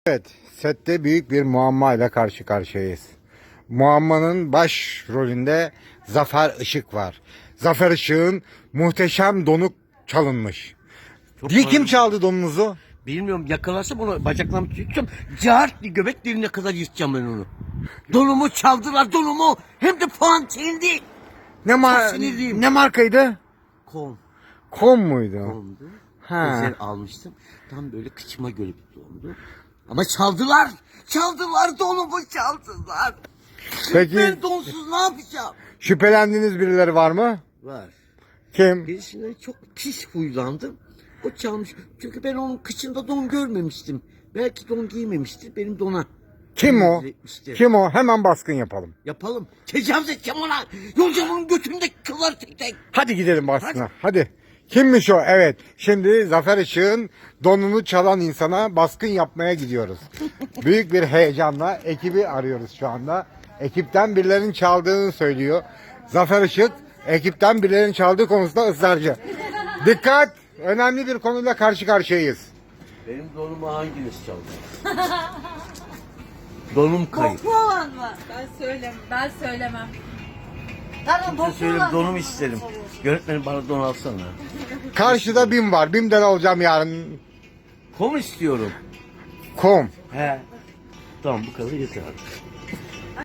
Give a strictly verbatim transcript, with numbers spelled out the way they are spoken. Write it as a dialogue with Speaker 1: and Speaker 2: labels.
Speaker 1: Evet, sette büyük bir muamma ile karşı karşıyayız. Muammanın baş rolünde Zafer Işık var. Zafer Işık'ın muhteşem donu çalınmış.
Speaker 2: Çok
Speaker 1: Diye kim
Speaker 2: pardon.
Speaker 1: çaldı donunuzu?
Speaker 2: Bilmiyorum, yakalarsa bunu bacaklarımı tutacağım. Cart diye göbek deliğine kadar yırtacağım ben onu. Donumu çaldılar, donumu. Hem de puan sildi.
Speaker 1: Ne, mar
Speaker 2: sinirliyim.
Speaker 1: ne markaydı?
Speaker 2: Kom.
Speaker 1: Kom muydu?
Speaker 2: Komdu.
Speaker 1: Ha.
Speaker 2: Özel almıştım. Tam böyle kıçıma göre bir dondu. Ama çaldılar. Çaldılar, donumu çaldılar.
Speaker 1: Peki
Speaker 2: Ben donsuz ne yapacağım?
Speaker 1: şüphelendiğiniz birileri var mı?
Speaker 2: Var.
Speaker 1: Kim?
Speaker 2: Birisinden çok pis huylandım. O çalmış. Çünkü ben onun kıçında don görmemiştim. Belki don giymemiştir benim dona.
Speaker 1: Kim o?
Speaker 2: Etmiştir.
Speaker 1: Kim o? Hemen baskın yapalım.
Speaker 2: Yapalım. Tecavüz edeceğim ona. Yolacağım onun götündeki kıllar tek tek.
Speaker 1: Hadi gidelim baskına. Hadi. Kimmiş o? Evet. Şimdi Zafer Işık'ın donunu çalan insana baskın yapmaya gidiyoruz. Büyük bir heyecanla ekibi arıyoruz şu anda. Ekipten birilerinin çaldığını söylüyor. Zafer Işık ekipten birilerinin çaldığı konusunda ısrarcı. Dikkat! Önemli bir konuyla karşı karşıyayız.
Speaker 2: Benim donumu hanginiz çaldı? Donum kayıp.
Speaker 3: Koklu olan mı?
Speaker 4: Ben söylem, ben söylemem.
Speaker 3: Tamam
Speaker 2: Kimse
Speaker 3: koklu
Speaker 2: söyle,
Speaker 3: olan.
Speaker 2: donumu isterim. Yönetmenim bana don alsana.
Speaker 1: Karşıda BİM var. BİM'den alacağım yarın.
Speaker 2: Kom istiyorum.
Speaker 1: Kom.
Speaker 2: He. Tamam, bu kadar yeter artık.